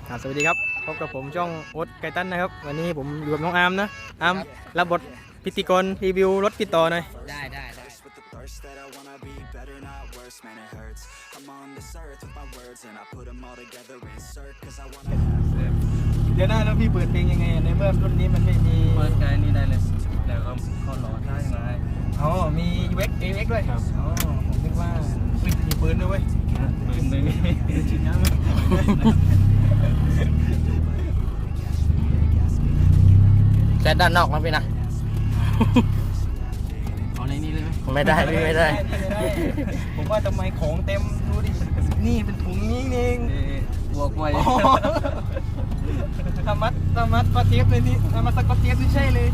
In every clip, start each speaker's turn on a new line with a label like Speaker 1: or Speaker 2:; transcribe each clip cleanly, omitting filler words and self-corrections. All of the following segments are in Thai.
Speaker 1: สวัสดีครับพบกับผมช่องโอ๊ตไกตันนะครับวันนี้ผมอยู่กับน้องอาร์มนะอาร์มรับบทพิธีกรรีวิวรถพี่ต่อหน่อย
Speaker 2: ได้
Speaker 1: เดี๋ยวนะแล้วพี่เปิดเพลงยังไงในเมื่อรุ่นนี้มันไม่มี
Speaker 2: เปิดใจนี่ได้เลยแล้วก็เข้าหล่อได้ไง
Speaker 1: อ๋อมี UX AX ด้วยอ๋อผมคิดว่ามีปืนด้วยเว้ย
Speaker 2: ปืนไม่มี
Speaker 1: ชินน้ำ
Speaker 2: แค่ด้านนอกนะพี่นะเอาในนี้เลยไหมไม่ได้พี่ไม่ได้
Speaker 1: ผมว่าทำไมของเต็มดูดินี่เป็นถุงนี้เอง
Speaker 2: บวกไว้
Speaker 1: ธรรมะปลาเทียบเลยนี่ธรรมะสกอตเทียบนี่ใช่เลย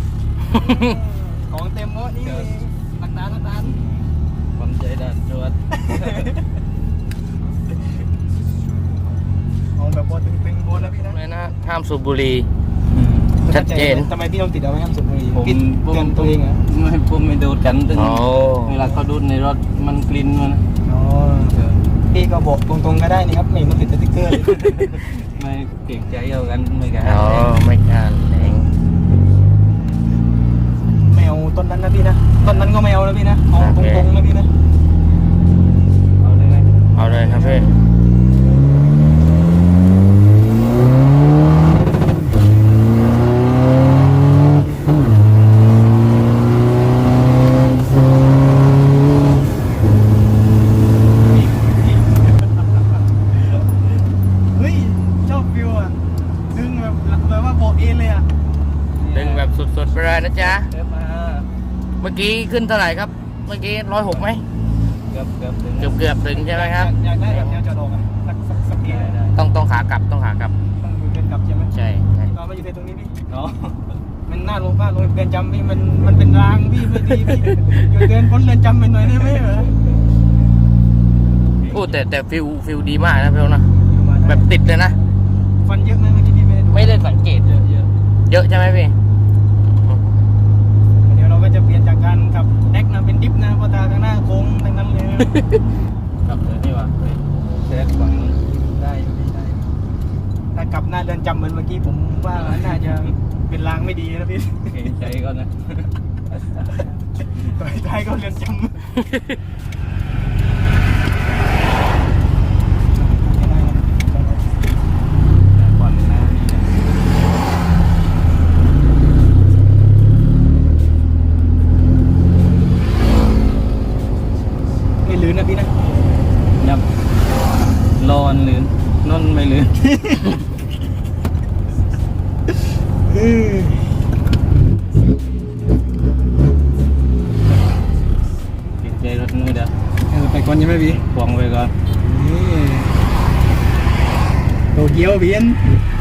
Speaker 1: ของเต็มหมดนี่หลักฐาน
Speaker 2: ความใจดันจวด
Speaker 1: เอาแบบบอลตึงๆบอลนะพี่นะ
Speaker 2: ไม่นะห้ามสูบบุหรี่ชัดเจน
Speaker 1: ทำไมพี่ต้องติดเอาไว้ห้ามสูบบุหรี่กินเตือนตัวเองเหรอ
Speaker 2: ไม่ผมไม่ดูดกันตึงเวลาเขาดูดในรถมันกลิ่นมัน
Speaker 1: พี่ก็บอกตรงๆก็ได้นี่ครับไม่ต้องติดสติ๊กเกอร์
Speaker 2: ไม่เกรงใจเอากันไม่กัน
Speaker 1: ไม่กันเองไม่เอาต้นนั้นนะพี่นะต้นนั้นก็ไม่เอาแล้วพี่นะเอาตรงๆนะพี่นะ
Speaker 2: เอาเลยไหม
Speaker 1: เอาเลยครับพี่
Speaker 2: สุดๆไปเลยนะจ๊ะเมื่อกี้ขึ้นเท่าไหร่ครับเมื่อกี้106ไหมเกือบถึงใช่ไหมครับ
Speaker 1: อยากได้แบบแนวจอดอกสักที
Speaker 2: ต้องขากลับต้อง
Speaker 1: อยู่เดินกลับใช่ไหม
Speaker 2: ใช่
Speaker 1: ตอนมาอยู่ในตรงนี้พี่มันน่าลงเรือนจำพี่มันเป็นรางพี่ไม่ดีพี่อยู่เดินพ้นเรือนจำไปหน่อยได้ไหมเหรอ
Speaker 2: พูดแต่ฟิลดีมากนะพี่นะแบบติดเลยนะ
Speaker 1: ฟันเยอะไหมเมื่อกี้พี่
Speaker 2: ไม่ได้สังเกตเยอะใช่ไหมพี่
Speaker 1: เดี๋ยวเราก็จะเปลี่ยนจากการขับแดกนะเป็นดิฟนะเพราะตาข้างหน้าโค้งทั้งนั้นเลย
Speaker 2: ขับเลยนี่วะเซฟฝั่งได้
Speaker 1: ถ้ากลับหน้าเรือนจำเหมือนเมื่อกี้ผมว่าน่าจะเป็นรางไม่ดีนะพี่
Speaker 2: ใจก่อนนะ
Speaker 1: ต่อยท้ายก็เรือนจำลื่นนะพี่นะ
Speaker 2: ยับรอนลื่นนนไม่ลื่นติดใจรถนู้นเด้อ
Speaker 1: ไปก่อนยังไม่พี่
Speaker 2: ควงไปก่อน
Speaker 1: โตเกียวเบียน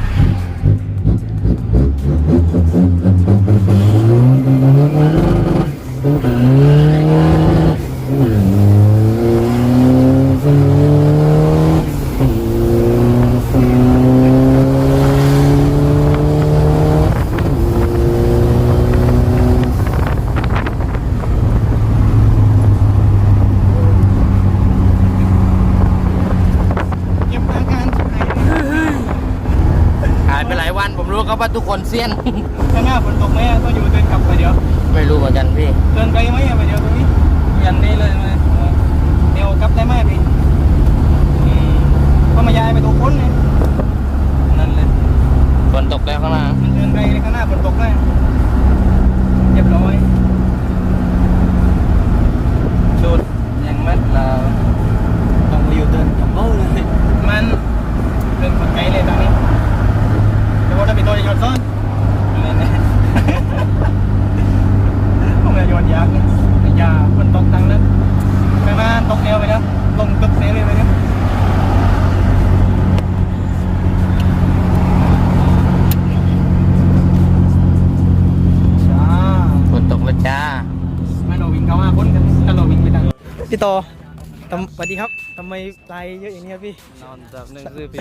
Speaker 2: ก็ว่าทุกคนเซียน
Speaker 1: ข้างหน้าฝนตกไหมก็อยู่เดินกลับไปเดี๋ยว
Speaker 2: ไม่รู้เหมือนกันพี่
Speaker 1: เดินไปไหมไปเดี๋ยวตรงนี้
Speaker 2: ยันนี้เลยไหม
Speaker 1: เดี๋ยวกลับได้ไหมพี่ก็มาย้ายไปตัวพ้นเลย
Speaker 2: นั่นเลยฝนตกแล้วข้างหน้า
Speaker 1: มันเดินไปข้างหน้าฝนตกเลยเรียบร้อย
Speaker 2: ชุดยังมัดเรา
Speaker 1: ต้องไปอยู่เดินกับโบ้เลยมันเดินคนไกลเลยตอนนี้เดี๋ยวถ้าเป็นตัวจะโยนซ้อนผมจะโยนยากนะยามันตกตังนั้นข้างหน้าตกเอวไปแล้วลงตึกเซเลยไปแล้ว
Speaker 2: ฝนตกแล้วจ้า
Speaker 1: ไม่เราวิ่งเข้า5 คนกันถ้าเราวิ่งไปทางพี่ต่อสวัสดีครับทำไมลายเยอะอย่างนี้ครับพี่
Speaker 2: นอนจับหนึ่งซื้อพี่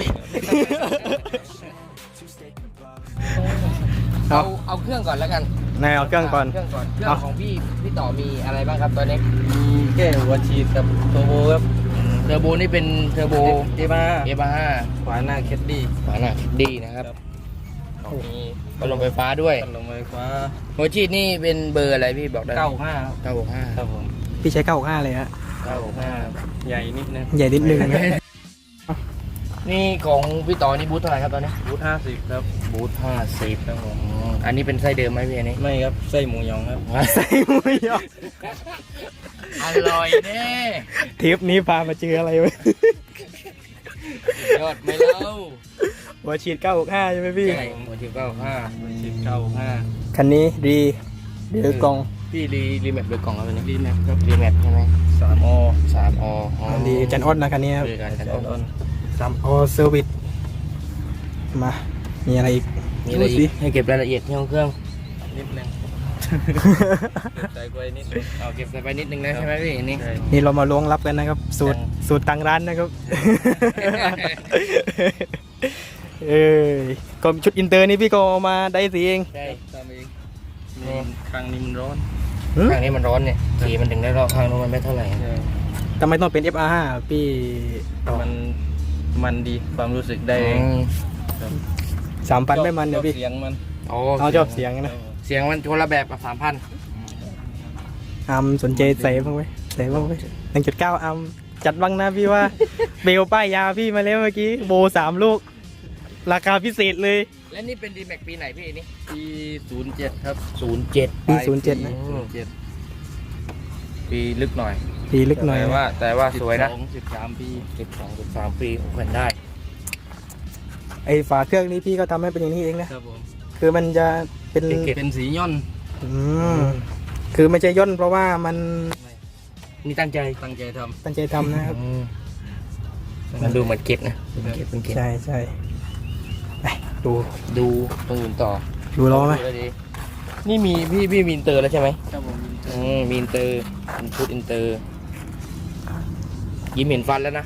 Speaker 2: เอาเครื่องก่อนแล้วกัน
Speaker 1: เอาเครื่องก่อน
Speaker 2: เครื่องของพี่ต่อมีอะไรบ้างครับตอนนี้มีแค่หัวฉีดกับโทโบครับเทอร์โบนี่เป็นเทอร์โบ
Speaker 1: เอบ้า
Speaker 2: เอฟห้า
Speaker 1: ขวาหน้าแคดดี้
Speaker 2: ฝาหน้าดีนะครับ
Speaker 1: ครับ
Speaker 2: มีพัดลมไฟฟ้าด้วย
Speaker 1: พัดลมไฟฟ้า
Speaker 2: หัวฉีดนี่เป็นเบอร์อะไรพี่บอกได้ไหม
Speaker 1: 95
Speaker 2: 965
Speaker 1: ครับผม
Speaker 3: พี่ใช้965เลยฮะ
Speaker 1: 965ใหญ่นิดนึง
Speaker 3: ใหญ่นิดนึง
Speaker 2: นี่ของพี่ต่อนี่บูธเท่าไหร่ครับตอนนี้
Speaker 1: บูท50ครับ
Speaker 2: บูธ50
Speaker 1: ครับผม
Speaker 2: อันนี้เป็นไส้เดิมไหมพี่อันนี้
Speaker 1: ไม่ครับไส้หมูยองครับ
Speaker 3: ใส่หมูยอ
Speaker 2: อร่อยแน่
Speaker 3: ทริปนี้พามาเจออะไรวะ
Speaker 2: ยอดไหม่เล่า
Speaker 3: หัวฉีด965ใช่ไหมพี่
Speaker 2: ใช่หัวฉีด95
Speaker 1: 10 95
Speaker 3: คันนี้ดีเดือกอง
Speaker 2: พี่รีแมปโดยกล่องแล้ววันนี้
Speaker 1: รีแมปครับ
Speaker 2: รีแมปใช่ไหม
Speaker 1: 3 อ
Speaker 2: 3 อ
Speaker 3: ดีจันออดนะคันนี้ครับ
Speaker 2: คือการ
Speaker 1: แอ
Speaker 2: จัด
Speaker 1: ดออน
Speaker 3: 3 อเซอร์วิสมามีอะไรอีก
Speaker 2: มีอะไร
Speaker 3: ดู
Speaker 2: อี
Speaker 3: สิ
Speaker 2: กให้เก็บรายละเอียดที่ห้องเครื่อง
Speaker 1: นิดนึงใส่กล้วยนิดนึง
Speaker 2: เอาเก็บใส่ไปนิดนึงนะใช่ไหมพี่อันนี่
Speaker 1: ใช่
Speaker 3: นี่เรามาล้วงลับกันนะครับ สูตรตังร้านนะครับ เอ้ยก็ชุดอินเตอร์นี่พี่ก็เอามาได้สีเอง
Speaker 2: ใช่
Speaker 1: ทำเองนี่ข้างนี้มันร้อน
Speaker 2: ข้างนี้มันร้อนเนี่ยสีมันถึงได้รอบข้างนู้นมันไม่เท่าไหร่
Speaker 1: ใช่
Speaker 3: ทำไมต้องเป็น FR5 พี่ต่อ
Speaker 1: มันดีความรู้สึกได้เอง
Speaker 3: 3,000ไม่มันเดี๋ยวพี่
Speaker 1: เสียงมัน
Speaker 3: เอาชอบเสียงนะ
Speaker 2: เสียงมันคนละแบบกับ 3,000
Speaker 3: อัมสนใจใส่บ้างไหมใส่บ้างไหม1.9 อัมจัดบ้างนะพี่ว่า เบลป้ายยาพี่มาแล้วเมื่อกี้โบ3 ลูก ราคาพิเศษเลย
Speaker 2: และนี่เป็น D-Max ปีไหนพี่นี่
Speaker 1: ปี07ครับ
Speaker 2: 07
Speaker 3: ปี07นะ
Speaker 1: 07ปีลึกหน่อย
Speaker 3: ปีลึกหน่อย
Speaker 2: แต่ว่าสวยนะ
Speaker 1: 13 ปี
Speaker 2: 12-13 ปีผมเห็นได้
Speaker 3: ไอฝาเครื่องนี้พี่ก็ทำให้เป็นอย่างนี้เองนะครับ
Speaker 1: ผม
Speaker 3: คือมันจะเป็น
Speaker 1: เป็นสีย่อน
Speaker 3: อืมคือไม่ใช่ย่นเพราะว่ามัน
Speaker 2: นี่ตั้งใจ
Speaker 1: ตั้งใจท
Speaker 3: ตั้งใจทำนะครับ
Speaker 2: มันดูเหมือนเก็บนะเป็นเก็บ
Speaker 3: ใช่ใช่ไปดู
Speaker 2: ดูตรงอื่นต่อ
Speaker 3: ดูล้อไหม
Speaker 2: ดูแล้วดีนี่มีพี่มีอินเตอร์แล้วใช่ไหม
Speaker 1: ำครับผม
Speaker 2: มีอินเตอร์เป็นชุดอินเตอร์ ยิ้มเห็นฟันแล้วนะ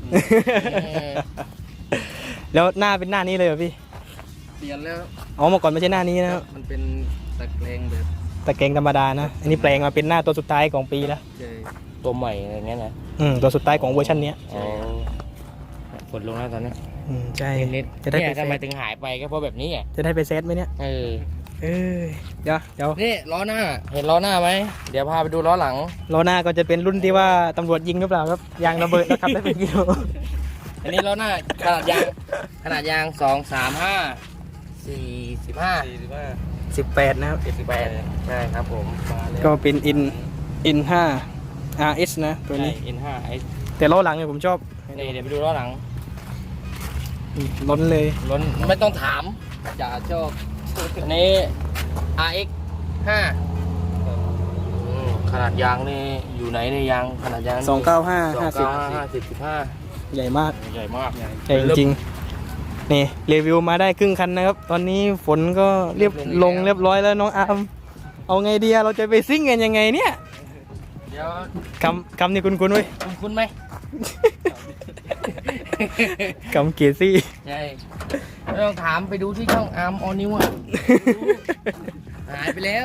Speaker 3: แล้วหน้าเป็นหน้านี้เลยเหรอพี่
Speaker 1: เปลี่ยนแล้ว
Speaker 3: อ๋อเมื่อก่อนไม่ใช่หน้านี้นะครับ
Speaker 1: มันเป็นตะแกรงแบบ
Speaker 3: ตะแกรงธรรมดานะ อันนี้แปลงมาเป็นหน้าตัวสุดท้ายของปีแล้ว
Speaker 1: ใช่
Speaker 2: ตัวใหม่อะไรเงี้ยนะ
Speaker 3: ตัวสุดท้ายของเวอร์ชันเนี้ย
Speaker 2: อ๋อฝนลงแล้วตอนนี้
Speaker 3: ใช่
Speaker 2: นิด
Speaker 3: จะได้
Speaker 2: เนี่
Speaker 3: ไป
Speaker 2: ย
Speaker 3: เซ
Speaker 2: ทำไม
Speaker 3: ต
Speaker 2: ถึงหายไปก็เพราะแบบนี้อ่ะ
Speaker 3: จะได้ไปเซตไหมเนี่ย
Speaker 2: เออ
Speaker 3: เอ้ยเดี๋ยว
Speaker 2: นี่ล้อหน้า เห็นล้อหน้าไหม เดี๋ยวพาไปดูล้อหลัง
Speaker 3: ล้อหน้าก็จะเป็นรุ่นที่ว่าตำรวจยิงหรือเปล่าครับยางระเบิดแล้วขับได้เป็นกิโล
Speaker 2: อันนี้ล้อหน้าขนาดยาง 2 3 5 45
Speaker 1: 45
Speaker 3: 18นะครับ
Speaker 2: 78ใช่ครับผม
Speaker 1: มาแล้ว
Speaker 3: ก็เป็นอิน5 RS นะตัวนี้
Speaker 2: N5 S
Speaker 3: แต่ล้อหลังเนี่ยผมชอบ
Speaker 2: นี่เดี๋ยวไปดูล้อหลัง
Speaker 3: ล้นเลย
Speaker 2: ล้นไม่ต้องถามจ่าชอบอันนี้ RX 5ขนาดยางนี่อยู่ไหนในยางขนาดยาง
Speaker 3: 295 50
Speaker 2: 50
Speaker 3: ใหญ่มาก
Speaker 2: 55ใหญ่มาก
Speaker 3: ใหญ่จริงๆนี่รีวิวมาได้ครึ่งคันนะครับ ตอนนี้ฝนก็เรียบร้อยแล้วน้องอาร์มเอาไงดีอะเราจะไปซิ่งกันยังไงเนี่ย
Speaker 2: เดี๋ยว
Speaker 3: คำนี่คุ้นๆเว้ย
Speaker 2: คุณไหม
Speaker 3: คำเกียร์ซี่
Speaker 2: ใช่ไม่ต้องถามไปดูที่ช่องอาร์มออนิวอ่ะหายไปแล้ว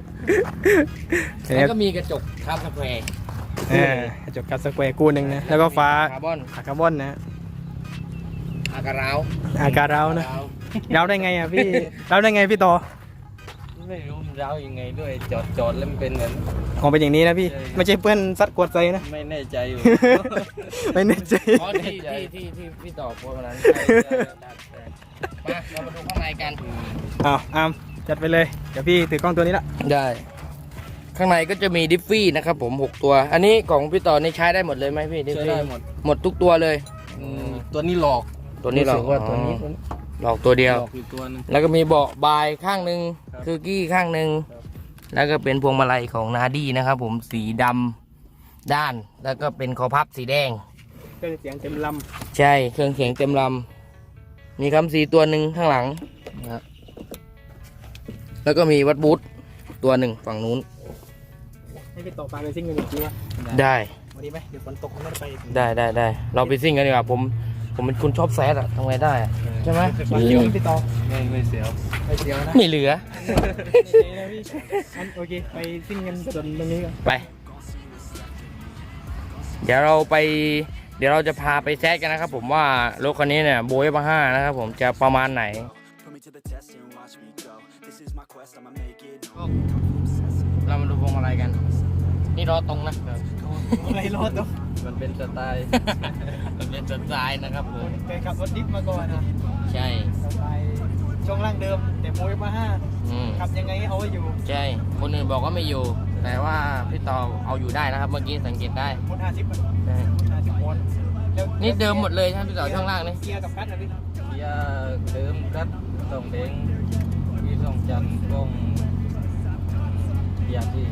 Speaker 2: แล้วก็มีกระจกคาร์บสแควร์
Speaker 3: กระจกกัดสแควร์กู้หนึ่งนะแล้วก็ฟ้า
Speaker 2: คาร์บอน
Speaker 3: คาร์บอนนะ
Speaker 2: อากาศร้าว
Speaker 3: อาการเรานะเราได้ไงอ่ะพี่เราได้ไงพี่ต่อ
Speaker 1: ไม่รู้มันร้าวยังไงด้วยจอดแล้วมันเป็นเหมือน
Speaker 3: ของเป็นอย่างนี้นะพี่
Speaker 1: ใช่
Speaker 3: ไม่ใช่เพื่อนซัดกวดใส่นะ
Speaker 1: ไม่แน่ใจอยู่
Speaker 3: ไม่แน่ใจ
Speaker 2: อ๋อที่พี่ต่อโพสต์วันนั้น มาเรามาดูข้างในกัน
Speaker 3: อ้าวอาร์มจัดไปเลยเดี๋ยวพี่ถือกล้องตัวนี้ละ
Speaker 2: ได้ ข้างในก็จะมีดิฟฟี่นะครับผม 6 ตัว อันนี้ของพี่ต่อนี่ใช้ได้หมดเลยไหมพี่ดิฟ
Speaker 1: ใช้
Speaker 2: ฟี่
Speaker 1: ได้หมด
Speaker 2: หมดทุกตัวเลย
Speaker 1: ตัวนี้หลอก
Speaker 2: ตัวนี้หรอ
Speaker 1: รู้สึกว่าตัวนี้
Speaker 2: หลอกตัวเดียว
Speaker 1: หลอกอยู่ตัวนึง
Speaker 2: แล้วก็มีเบาะบายข้างหนึ่ง
Speaker 1: ครับ
Speaker 2: คือกี้ข้างหนึ่ง
Speaker 1: ครับ
Speaker 2: แล้วก็เป็นพวงมาลัยของนาดี้นะครับผมสีดำด้าน แล้วก็เป็นคอพับสีแดง
Speaker 3: เครื่องเสียงเต็มล
Speaker 2: ใช่เครื่องเสียงเต็มลำมีคำสีตัวหนึ่งข้างหลังนะครับแล้วก็มีวัดบูทตัวหนึ่งฝั่งนู้น
Speaker 3: ำให้พี่ต่อปลาไปซิ่งกันอีกทีวะ
Speaker 2: ได้
Speaker 3: วันนี้ไหมเดี๋ยวฝนตกไม่ได้ไป
Speaker 2: ได้เราไปซิ่งกันดีกว่าผมเป็นคนชอบแซดอะทำไงได้อะใช่ไหม
Speaker 3: มาเที่ยวพี่ต่อ
Speaker 1: ไม่เสียว
Speaker 3: ไปเที่ยวนะ
Speaker 2: ไม่เหลือ
Speaker 3: โอเคไปซิ่งกันส่วนตรงนี้กัน
Speaker 2: ไป เดี๋ยวเราไปเดี๋ยวเราจะพาไปแซดกันนะครับผมว่ารถคันนี้เนี่ยโบยมา5นะครับผมจะประมาณไหน เรามาดูพวงมาลัยกัน นี่ล้อตรงนะ
Speaker 3: อะไรรถตัว
Speaker 2: มันเป็นสไตล์ มันเป็นสไตล์นะครับผม
Speaker 3: เคยขับรถดิฟมาก่อนนะ
Speaker 2: ใช่
Speaker 3: สไตล์ช่วงล่างเดิม แต่โมยมาห้า
Speaker 2: อืม
Speaker 3: ขับยังไงให้เอาไว้อยู่
Speaker 2: ใช่ คนอื่นบอกว่าไม่อยู่ แต่ว่าพี่ต่อเอาอยู่ได้นะครับ เมื่อกี้สังเกตได้
Speaker 3: หมด50อ่ะ
Speaker 2: ใช่
Speaker 3: 50วนแล้ว
Speaker 2: นี่เดิมหมดเลยใช่ไหมพี่ต่อช่องล่างนี่
Speaker 3: เกียร์กับคัทนะพี่
Speaker 1: เกียร์เดิมกัดส่งเด้งพี่ส่งจันทร์กงเกียร์ที่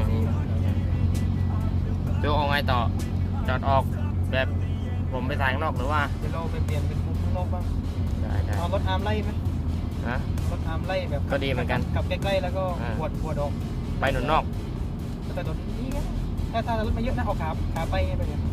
Speaker 2: ดูเอาไงต่อ จอดออกแบบผมไปถ่ายข้างนอกหรือว่า
Speaker 3: เดี๋ยวเราไปเปลี่ยนเป็นมุมข้างนอกบ้าง
Speaker 2: ได้
Speaker 3: เอารถอาร์มไล่ไหม
Speaker 2: นะ
Speaker 3: รถอาร์มไล่แบบ
Speaker 2: ก็ดีเหมือนกัน
Speaker 3: ขับใกล้ๆแล้วก็
Speaker 2: อ่า
Speaker 3: ปวดออก
Speaker 2: ไปหนุนนอก
Speaker 3: แต่ถนนนี้ไงถ้ารถไม่เยอะนะเอาขาไปไงไปเนี่ย